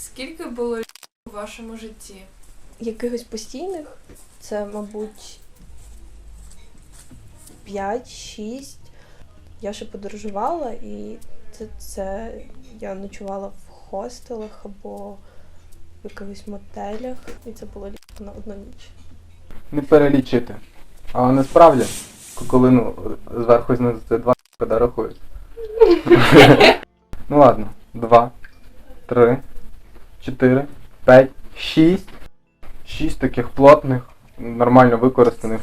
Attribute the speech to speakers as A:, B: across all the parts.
A: Скільки було у вашому житті?
B: Якихось постійних це, мабуть, 5-6. Я ще подорожувала, і це я ночувала в хостелах або в якихось мотелях, і це було на одну ніч.
C: Не перелічити. Але насправді, коли зверху і знизу це 2 коли рахують. Ну ладно, 2, 3, 4, 5, 6. 6 таких плотних, нормально використаних.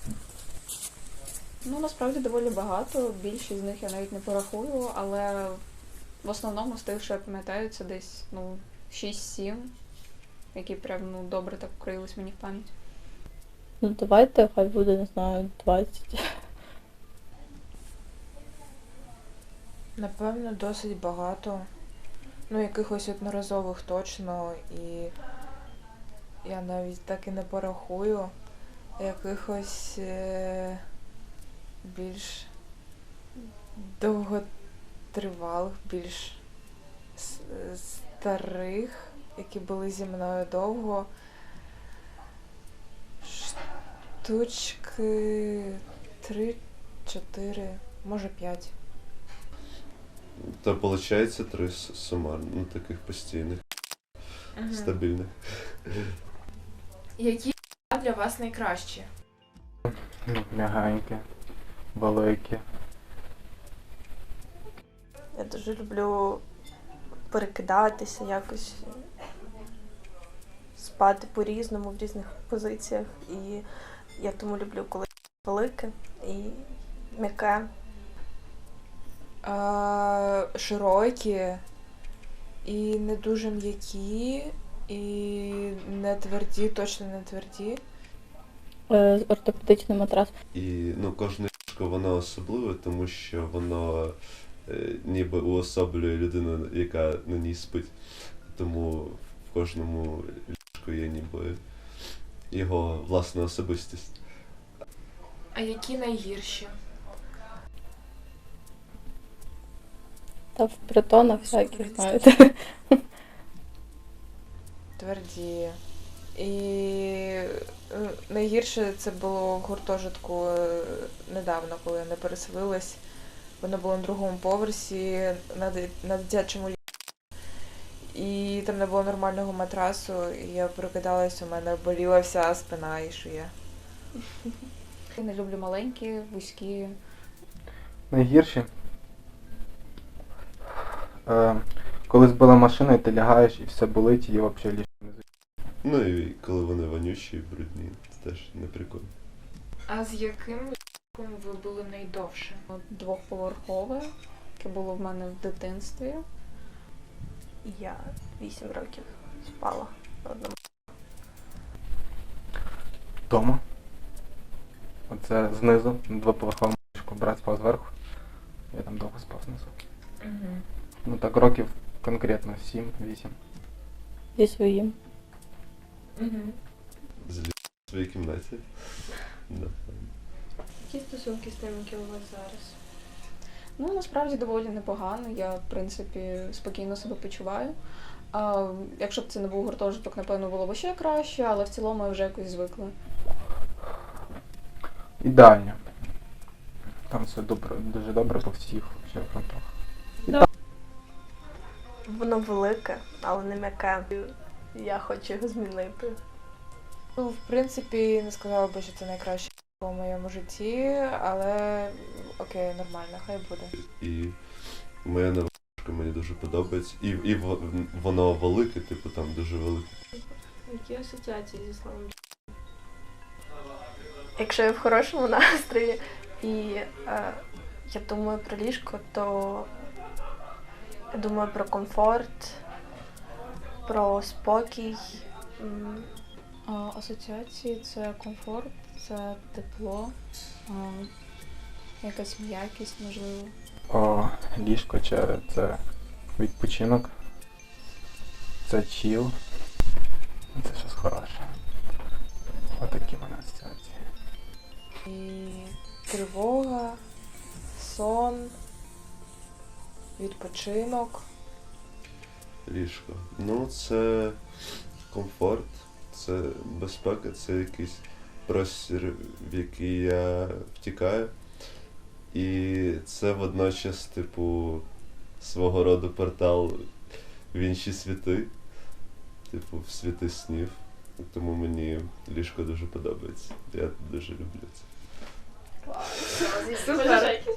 D: Ну, насправді доволі багато, більшість з них я навіть не порахую, але в основному з тих, що я пам'ятаю, це десь 6-7, які прям добре так вкрились мені в пам'ять.
E: Ну давайте, хай буде, не знаю, 20.
F: Напевно, досить багато. Якихось одноразових точно, і я навіть так і не порахую. Якихось більш довготривалих, більш старих, які були зі мною довго. Штучки 3-4, може 5.
G: Та виходить 3 сумарно, таких постійних, стабільних.
A: Які для вас найкращі?
C: М'ягенькі, великі.
B: Я дуже люблю перекидатися, якось спати по-різному в різних позиціях. І я тому люблю, коли велике і м'яке.
F: Широкі і не дуже м'які, і не тверді, точно не тверді.
E: Ортопедичний матрас.
G: І кожне ліжко воно особливе, тому що воно ніби уособлює людину, яка на ній спить. Тому в кожному ліжку є ніби його власна особистість.
A: А які найгірші?
E: Та в притонах всяких, знаєте.
F: Тверді. І найгірше це було в гуртожитку недавно, коли я не переселилась. Воно було на 2-му поверсі, на дитячому ліжку. І там не було нормального матрасу, і я прокидалась, у мене боліла вся спина і шия.
D: Я не люблю маленькі, вузькі.
C: Найгірші? Коли збила машина і ти лягаєш і все болить, і взагалі ліжко не звичайно.
G: І коли вони вонючі, брудні, це теж не прикольно.
A: А з яким ліжком ви були найдовше?
D: 2-поверхове, яке було в мене в дитинстві.
B: Я 8 років спала на одному.
C: Дома. Оце знизу, на 2-поверховому ліжку. Брат спав зверху. Я там довго спав знизу. Так років конкретно 7-8.
E: Зі своїм.
G: В своїй кімнаті. Да.
A: Які стосунки з тим, які у вас зараз?
D: Насправді доволі непогано. Я, в принципі, спокійно себе почуваю. Якщо б це не був гуртожиток, напевно, було б ще краще, але в цілому я вже якось звикла.
C: Ідеально. Там все дуже добре по всіх фронтах.
B: Воно велике, але не м'яке. Я хочу його змінити.
F: В принципі, не сказала би, що це найкраще у моєму житті, але окей, нормально, хай буде.
G: І моя нова ліжко мені дуже подобається. І воно велике, там дуже велике.
A: Які асоціації зі словом?
B: Якщо я в хорошому настрої і я думаю про ліжко, то я думаю про комфорт, про спокій.
D: Асоціації – це комфорт, це тепло, якась м'якість, можливо.
C: Ліжко це відпочинок, це чіл, це щось хороше. Отакі в мене асоціації.
F: І тривога, сон, відпочинок.
G: Ліжко. Ну, це комфорт, це безпека, це якийсь простір, в який я втікаю. І це водночас, типу, свого роду портал в інші світи, типу, в світи снів. Тому мені ліжко дуже подобається. Я дуже люблю це.
A: Супер.